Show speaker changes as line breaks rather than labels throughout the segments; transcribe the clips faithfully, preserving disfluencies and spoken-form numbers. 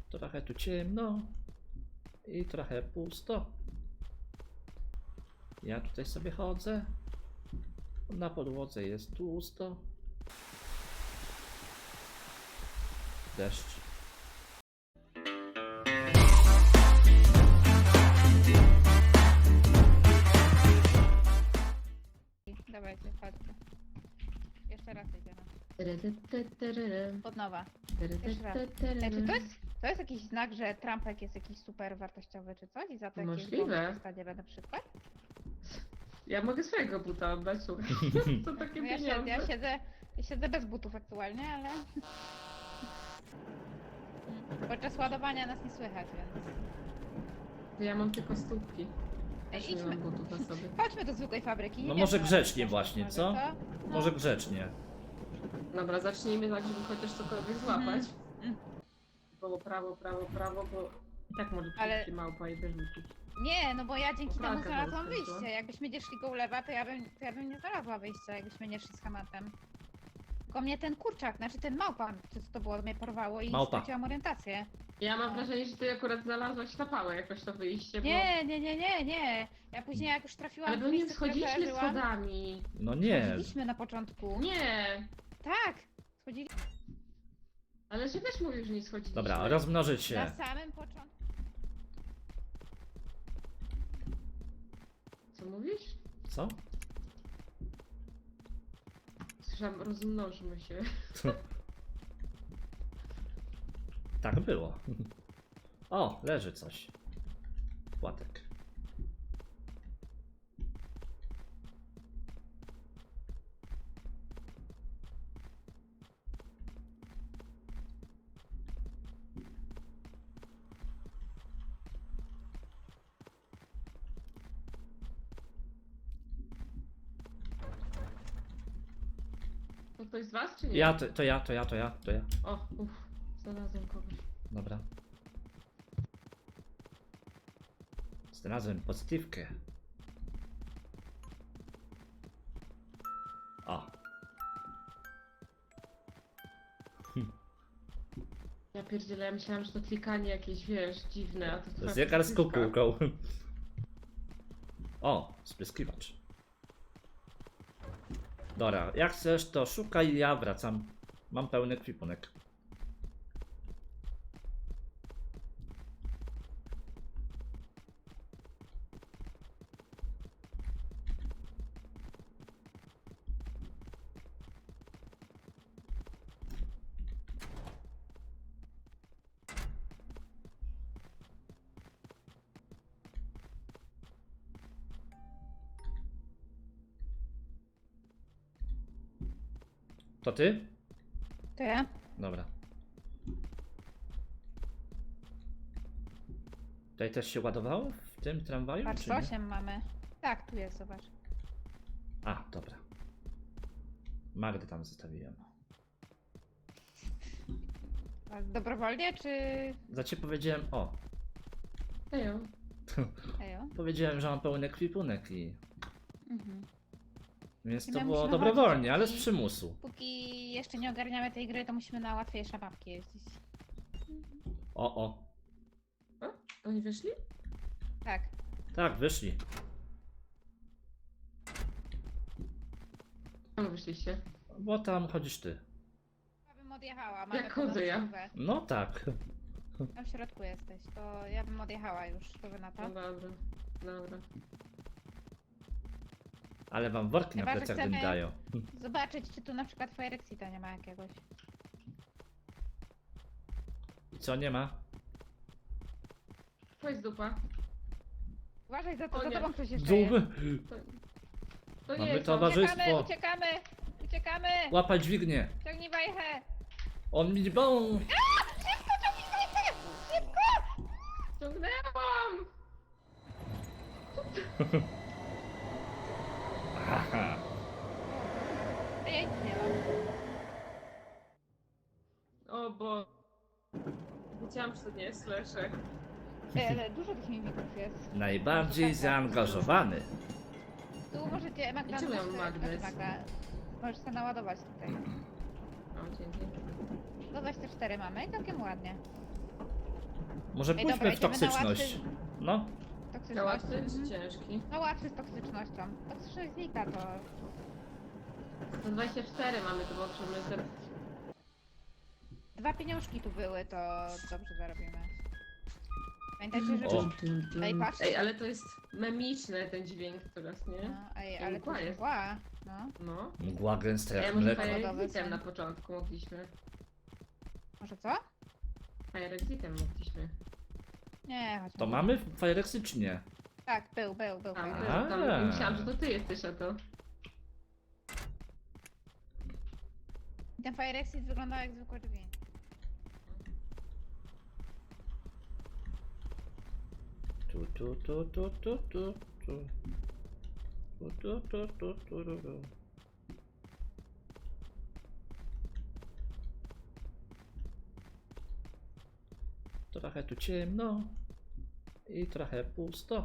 Trochę tu ciemno i trochę pusto. Ja tutaj sobie chodzę. Na podłodze jest tłusto. Deszcz.
Dawajcie, chodźcie. Jeszcze raz idziemy.
Tyrytytyryry.
Od nowa. Jeszcze raz.
Tyrytytyryry.
E, czy to jest, to jest jakiś znak, że Trumpek jest jakiś super wartościowy czy coś? I za to jakieś
Możliwe.
bonus w stadzie będę przykład?
Ja mogę swojego buta oddać, słuchaj. To takie
No ja, siedzę,
pieniądze.
ja, siedzę, ja siedzę bez butów aktualnie, ale... Podczas ładowania nas nie słychać, więc...
Ja mam tylko stópki.
Ej,
Też nie
idźmy.
mam butów na sobie.
Chodźmy do zwykłej fabryki. Nie
No
wiem,
może
co
grzecznie
nas
właśnie,
może,
co?
No.
Może grzecznie.
Dobra, zacznijmy tak, żeby chociaż cokolwiek złapać.
Mm.
Prawo, prawo, prawo, prawo, bo i tak może
Ale-
przyjść małpa i wyrzucić.
Nie, no bo ja dzięki temu
Pralka
znalazłam
zaraz skończyła.
wyjście. Jakbyśmy nie szli go ulewa, to ja bym, to ja bym nie znalazła wyjścia, jakbyśmy nie szli z hamatem. Tylko mnie ten kurczak, znaczy ten małpa, czy co to było, mnie porwało i
Małpa.
straciłam orientację.
Ja mam wrażenie, że ty akurat znalazłaś na pałę jakoś to wyjście, bo...
Nie, nie, nie, nie, nie. Ja później jak już trafiłam
Ale
w
bo nie
miejsce, w którym
schodziliśmy
przeżyłam,
schodami.
No nie.
Schodziliśmy na początku.
Nie!
Tak, schodziliśmy
Ale się też mówił, że nie schodziliśmy.
Dobra, rozmnożyć się.
na samym początku.
Co mówisz?
Co?
Słyszałam, rozmnożmy się.
Tak było. O, leży coś. Płatek.
To ktoś z was, czy nie?
Ja, to, to ja, to ja, to ja, to ja.
O, uff, znalazłem kogoś.
Dobra. Znalazłem pozytywkę. O,
Ja pierdzielę, ja myślałam, że to klikanie jakieś, wiesz, dziwne, a to twoja
zegar z
pozytywka.
kukułką. O, spryskiwacz. Dobra, jak chcesz to szukaj, ja wracam. Mam pełny kwipunek. To ty?
To ja?
Dobra. Tutaj też się ładowało w tym tramwaju?
Patrz,
czy nie?
osiem mamy. Tak, tu jest, zobacz.
A, dobra. Magdę tam zostawiłem.
A dobrowolnie, czy...
Za ciebie powiedziałem, o,
Ejo.
Ejo?
powiedziałem, że mam pełny kwipunek i...
Mhm.
Więc
I
to
my
było
musimy
dobrowolnie,
chodzić
ale z
i-
przymusu.
Póki jeszcze nie ogarniamy tej gry, to musimy na łatwiejsze mapki jeździć.
O, o.
Oni wyszli?
Tak.
Tak, wyszli.
Czemu wyszliście?
Bo tam chodzisz ty.
Ja bym odjechała, mamy
Jak chodzę ja?
podostówę.
No tak.
Tam w środku jesteś, to ja bym odjechała już, to wy na to.
No dobra, dobra.
Ale wam worki na
Chyba, że
plecach
chcemy-
nie dają.
Zobaczyć, czy tu na przykład Firexita nie ma jakiegoś.
I co, nie ma?
To jest dupa.
Uważaj, za,
O
to, za
nie.
tobą ktoś jeszcze jest.
Dub!
To, to
Mamy
nie jest
towarzysz-
on.
Uciekamy,
towarzystwo.
uciekamy, uciekamy!
Łapać dźwignię!
Ciągnij wajchę!
On mi bą!
Szybko, ciągnij wajchę! Szybko!
Ciągnęłam!
Haha.
A ja nic nie mam.
O bo... Wiedziałam, że to nie jest Leszek.
Ej, ale dużo tych mimików jest.
Najbardziej zaangażowany.
Tu możecie, Magda,
I czemu ja
możesz
mam
sobie-
magnes?
znaczy Magda, możesz sobie naładować tutaj.
O, dzięki.
Do dwadzieścia cztery mamy i całkiem ładnie.
Może
Ej,
pójdźmy
dobra,
w
idziemy na
toksyczność.
łatwy-
No,
Na łatwy
Toksyczność.
czy
Mhm.
ciężki?
No łatwy z toksycznością. Toksyczność znika to...
sto dwadzieścia cztery mamy, to możemy zrobić.
Dwa pieniążki tu były, to dobrze zarobimy. Pamiętajcie, że...
O.
Ej, patrz.
Ej, ale to jest memiczny ten dźwięk teraz, nie?
No, ej,
To
ale
mgła
to
jest.
mgła. No,
No.
mgła gęsta
Ej,
jak
może
mleko.
Fire
Lodowe
Exitem
są.
na początku mogliśmy.
może co?
Fire Exitem mogliśmy.
Nie, chodźmy.
To mamy Firexy czy nie?
Tak, był, był, był.
Tam,
fajny.
był, tam
A.
myślałam, że to ty jesteś, a to...
Ten Fire Exit wyglądał jak zwykłe drzwi.
Tu, tu, tu, tu, tu, tu, tu. Tu, tu, tu, tu, tu, tu, tu. Trochę tu ciemno i trochę pusto.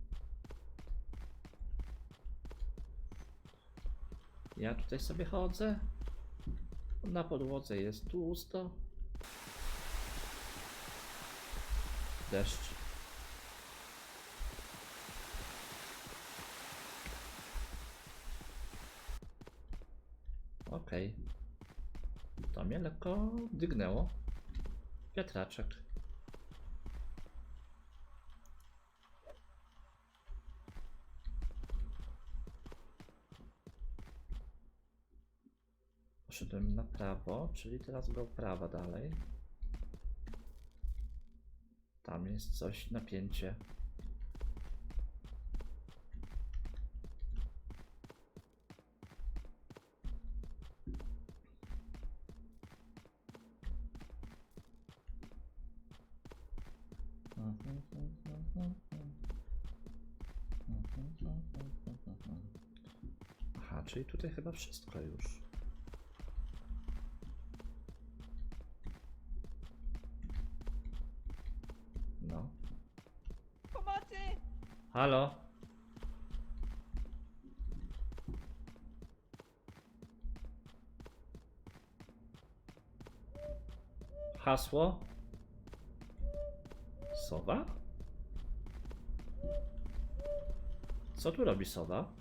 Ja tutaj sobie chodzę. Na podłodze jest tłusto. Deszcz. Okej. To mnie lekko dygnęło. Wiatraczek. Poszedłem na prawo, czyli teraz go prawa dalej. Tam jest coś, napięcie. Aha, czyli tutaj chyba wszystko już. No.
Pomocy!
Halo? Hasło? Sowa? Co tu robi sowa?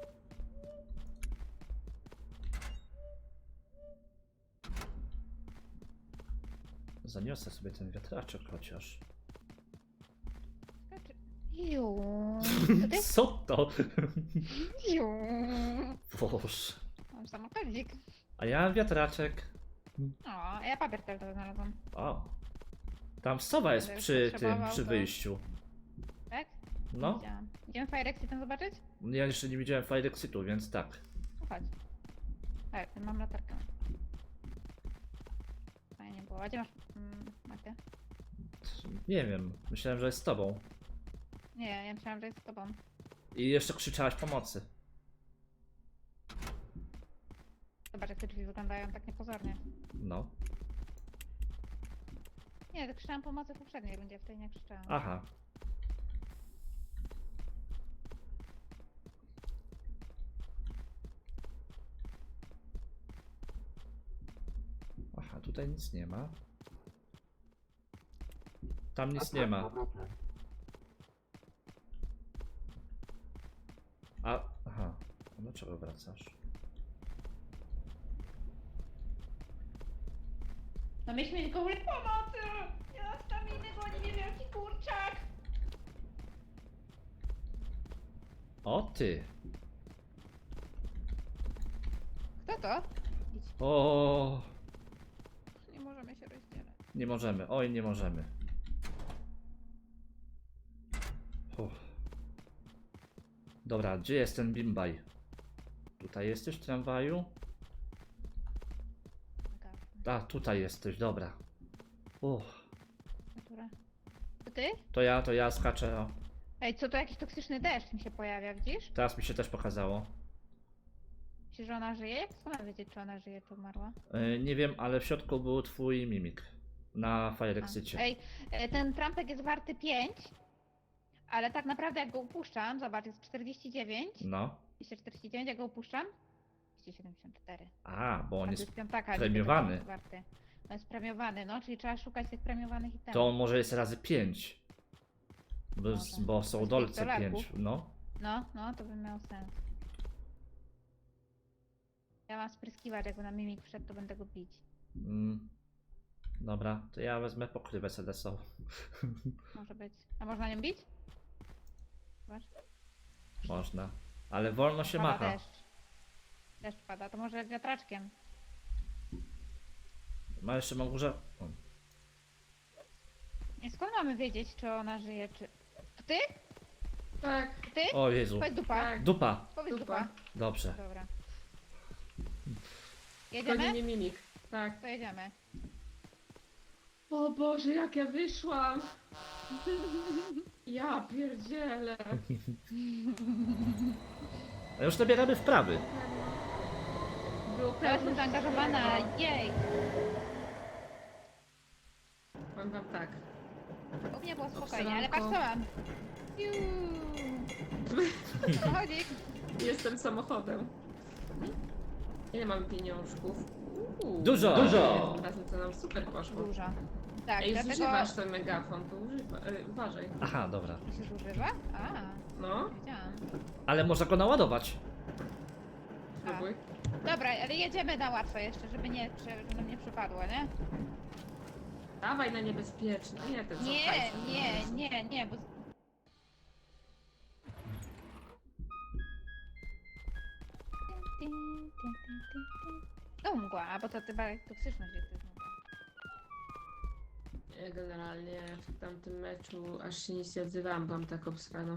Zaniosę sobie ten wiatraczek chociaż.
Skaczy. Ju. To ty?
Co to?
Ju.
Boże.
Mam samochodzik.
A ja mam wiatraczek.
O, a ja papier też znalazłam.
O. Tam sowa jest
Będę
przy tym,
potrzebował,
przy
to-
wyjściu.
Tak?
No.
Widziałam. Idziemy Fire Exitem zobaczyć?
Ja jeszcze nie widziałem Fire Exitu, więc tak.
No chodź. Tak, mam latarkę. Fajnie było. A gdzie masz mm, Magdę?
Nie wiem, myślałem, że jest z tobą.
Nie, ja myślałam, że jest z tobą.
I jeszcze krzyczałaś pomocy.
Zobacz, jak te drzwi wyglądają tak niepozornie.
No.
Nie, to krzyczałam pomocy w poprzedniej rundzie, w tej nie krzyczałam.
Aha. Aha, tutaj nic nie ma. Tam nic nie ma. A, aha. A dlaczego wracasz?
No myśmy mieć goły pomocy! Nie mam staminy, bo nie wiem jaki kurczak!
O ty!
Kto to? Idź.
O,
Nie możemy się rozdzielać.
nie możemy. Oj, nie możemy. Uff. Dobra, gdzie jest ten bimbaj? Tutaj jesteś w tramwaju? A, tutaj jesteś, dobra. Uff.
Która? To ty?
To ja, to ja skaczę. O.
Ej, co to jakiś toksyczny deszcz mi się pojawia, widzisz?
Teraz mi się też pokazało.
Myślisz, że ona żyje? Jak skąd mam wiedzieć, czy ona żyje, czy umarła?
Yy, nie wiem, ale w środku był twój mimik. Na Fire
A.
Exicie.
Ej, e, ten trampek jest warty pięć, ale tak naprawdę jak go upuszczam, zobacz, jest czterdzieści dziewięć,
No.
dwieście czterdzieści dziewięć, jak go upuszczam, dwieście siedemdziesiąt cztery.
A, bo on
A to
jest
jest piątaka,
premiowany.
niby to jest warty. To jest premiowany, no, czyli trzeba szukać tych premiowanych itemów.
To on może jest razy pięć. Bo,
Może.
bo są
Bez
dolce
pistoletów.
pięć, no.
No, no, to by miało sens. Ja mam spryskiwacz, jakby na mimik wszedł, to będę go bić.
Mm. Dobra, to ja wezmę pokrywę C D S O.
Może być. A można nią bić? Zobacz.
Można. Ale wolno się
Pada
macha.
deszcz. Deszcz pada, to może wiatraczkiem.
Ma jeszcze mam górze. O.
I skąd mamy wiedzieć, czy ona żyje, czy... To ty?
Tak,
To ty?
O Jezu.
Powiedz dupa.
tak.
Dupa.
Powiedz
Dupa.
dupa.
Dobrze.
Dobra.
Goni
Jedziemy?
mnie mimik. Tak.
To jedziemy.
O Boże, jak ja wyszłam! Ja pierdzielę.
A już nabieramy wprawy.
Było
Ja jestem
pewność,
zaangażowana, jej!
Powiem wam tak.
U mnie było spokojnie, ale patrz co
Obsranko.
mam. Juuu. Samochodzik.
Jestem samochodem. Ile mamy pieniążków? Uuu,
Dużo.
Dużo! Razem to nam super poszło.
Dużo. Tak,
Ej,
dlatego...
zużywasz ten megafon, to używa, e, uważaj.
Aha, dobra.
To się zużywa? A,
No,
wiedziałam.
Ale można go naładować.
spróbuj.
Dobra, ale jedziemy na łatwo jeszcze, żeby nie, żeby nam nie przypadło, nie?
Dawaj na niebezpieczne. Nie, ten co
Nie,
hajsem.
nie, nie, nie, bo... No mgła, bo to chyba toksyczność jest to jest mgła.
Ja generalnie w tamtym meczu aż się nic nie odzywałam, byłam tak obsrana.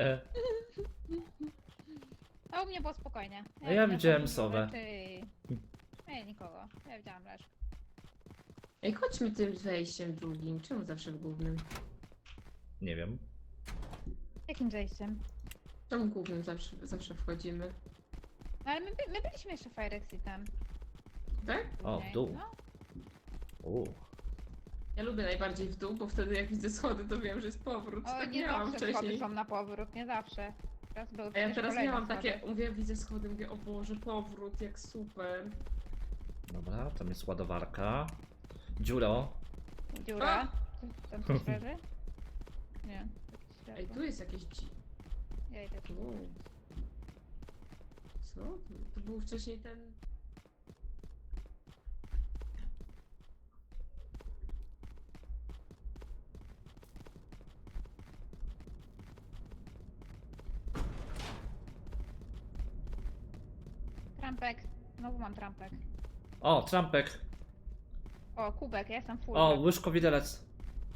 A u mnie było spokojnie.
A ja widziałem
dużo
sowę.
rzeczy. Nie, nikogo. Ja widziałam Leszkę.
Ej, chodźmy tym wejściem drugim. Czemu zawsze w głównym?
Nie wiem.
Jakim zejściem?
Czemu głównym zawsze, zawsze wchodzimy?
No ale my, by- my byliśmy jeszcze w Fire Exitem.
Tak?
O, w
później.
dół.
No,
U.
Ja lubię najbardziej w dół, bo wtedy jak widzę schody, to wiem, że jest powrót.
o,
tak
nie
miałam
zawsze schody
wcześniej.
są na powrót, nie zawsze. Teraz były
A ja
przecież
teraz
kolejne
miałam
schody.
takie, mówię, widzę schody, mówię, o Boże, powrót, jak super.
Dobra, tam jest ładowarka. Dziuro.
Dziura. Tam coś leży? Nie. jakieś
Ej,
światło.
tu jest jakieś dzi...
Ja idę tu.
Wow. Co? To był wcześniej ten...
Trampek. Znowu mam trampek.
O, trampek.
O, kubek, ja jestem full.
O, łyżko widelec.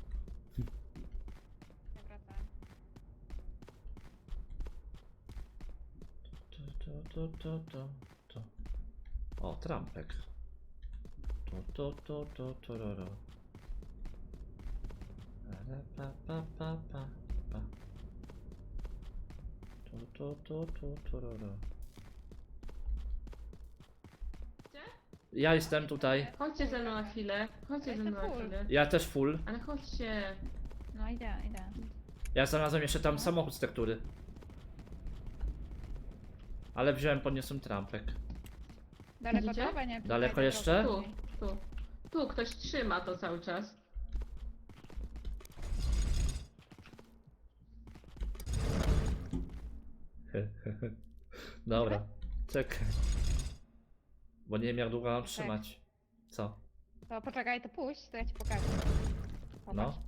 Ja wracam.
To, to, to, to, to. O, trampek. To, to, to, to, to, ro, ro. Ra, pa, pa, pa, pa, pa. To, to, to, to, to, ro, ro.
Gdzie?
Ja jestem tutaj.
Chodźcie ze mną na chwilę, chodźcie ze mną na
Jestem full.
chwilę.
Ja też full.
Ale chodźcie.
No idę, idę.
Ja znalazłem jeszcze tam samochód z tektury. Ale wziąłem, podniosłem trampek.
Daleko
Widzicie?
to? Bo nie,
Daleko
tutaj
jeszcze?
drogi.
Tu, tu. Tu ktoś trzyma to cały czas.
Dobra, czekaj. Bo nie wiem jak długo mam trzymać. Co?
To poczekaj, to pójść, to ja ci pokażę. Popatrz.
No.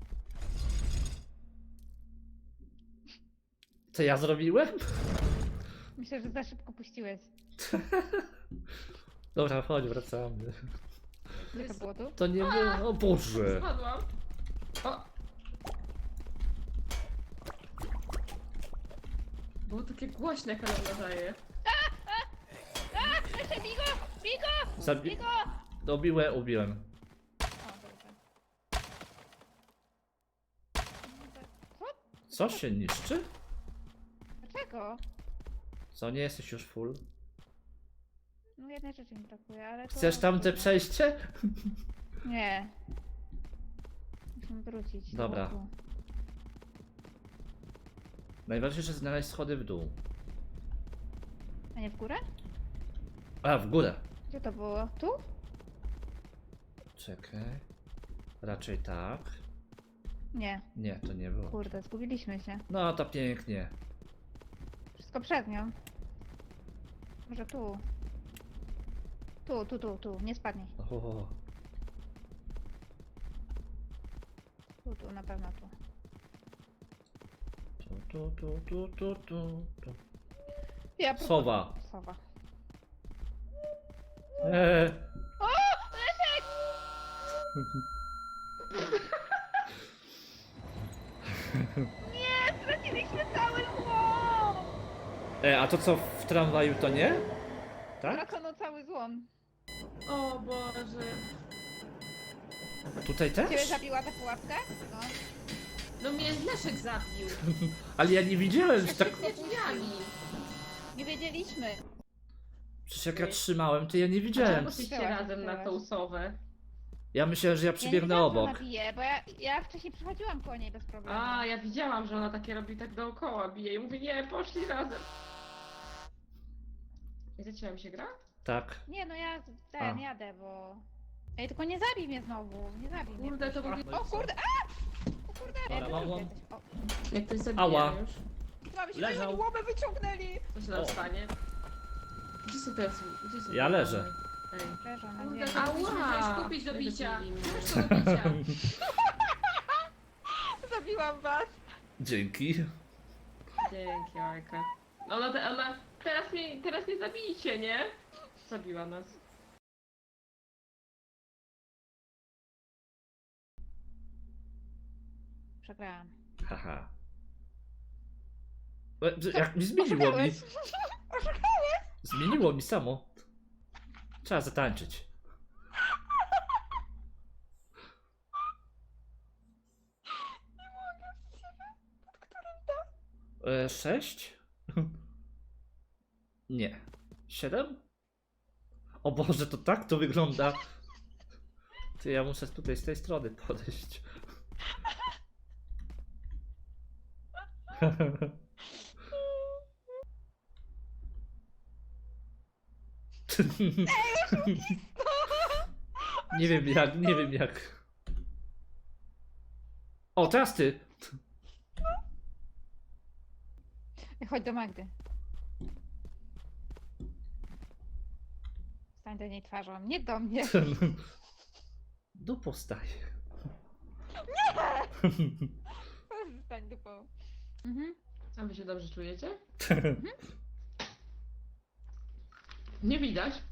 Co ja zrobiłem?
Myślę, że za szybko puściłeś.
Dobra, chodź, wracamy.
Gdzie to było tu?
To nie było. O Boże!
Spadłam. O! Było takie głośne, jak ona nadaje.
Jeszcze Bigo! Bigo!
Zabi...
Bigo!
Dobiłem, ubiłem.
O, dobrze. Co?
Co się niszczy?
Dlaczego?
Co, nie jesteś już full?
No jednej rzeczy mi brakuje, ale to...
Chcesz tamte przejście?
Nie. Musimy wrócić. do
Dobra.
boku.
Najważniejsze znaleźć schody w dół.
A nie w górę?
A, w górę.
Gdzie to było? Tu?
Czekaj. Raczej tak.
Nie,
Nie, to nie było.
kurde, zgubiliśmy się.
No to pięknie.
Wszystko przed nią. Może tu. Tu, tu, tu, tu, nie spadnij.
O,
Tu, tu, na pewno tu.
tu, tu, tu, tu, tu, tu, tu.
Ja prób-
Sowa.
Sowa.
Eee.
O! Leszek! Nie, straciliśmy cały złom!
E, a to co w tramwaju to nie? Tak?
Stracono cały złom.
O Boże.
Tutaj
Ciebie
też?
zabiła ta pułapka? No.
No mnie Leszek zabił.
Ale ja nie widziałem, że tak...
Nie drzwiami.
Nie wiedzieliśmy.
Przecież jak ja trzymałem, to ja nie widziałem.
Czemu poszliście razem na tą sowę?
Ja myślałem, że ja
Ja nie
przybiegnę
wiedziałam, że
obok.
ona bije, bo ja, ja wcześniej przechodziłam koło niej bez problemu.
A, ja widziałam, że ona takie robi tak dookoła, bije i mówi, nie, poszli razem. I zaczęła mi się gra?
Tak.
Nie, no ja ten,
A.
jadę, bo... Ej, tylko nie zabij mnie znowu, nie zabij mnie.
Kurde, to
proszę.
był...
O kurde, a! O kurde,
Dobra,
ja
mam
tu
łom.
jesteś. O,
Jak ktoś zabije
Ała.
już,
mamy się
Leżał.
oni łomę wyciągnęli!
co się nam
O.
stanie? Gdzie są teraz? Gdzie są
Ja
te
leżę.
łamy? Ej.
Leżą na
Kurde,
ziemi.
to
Ała!
musisz kupić do bicia.
Zabili mnie.
Masz to do bicia.
Zabiłam was!
Dzięki.
Dzięki, Ojka. Ona, te, ona teraz mnie, teraz nie zabijcie, nie? Zabiła nas.
Przegrałam.
Haha. E, że- Jak mi zmieniło mi.
Oszukałeś! Oszukałeś!
Zmieniło mi samo. Trzeba zatańczyć. E, sześć? Nie. Siedem? O Boże, to tak to wygląda. Ty, ja muszę tutaj z tej strony podejść. Nie wiem jak, nie wiem jak. O, teraz ty.
Chodź do Magdy. Stań do niej twarzą, nie do mnie.
Dupo staje.
Stań dupą. Mhm.
A wy się dobrze czujecie? Nie widać.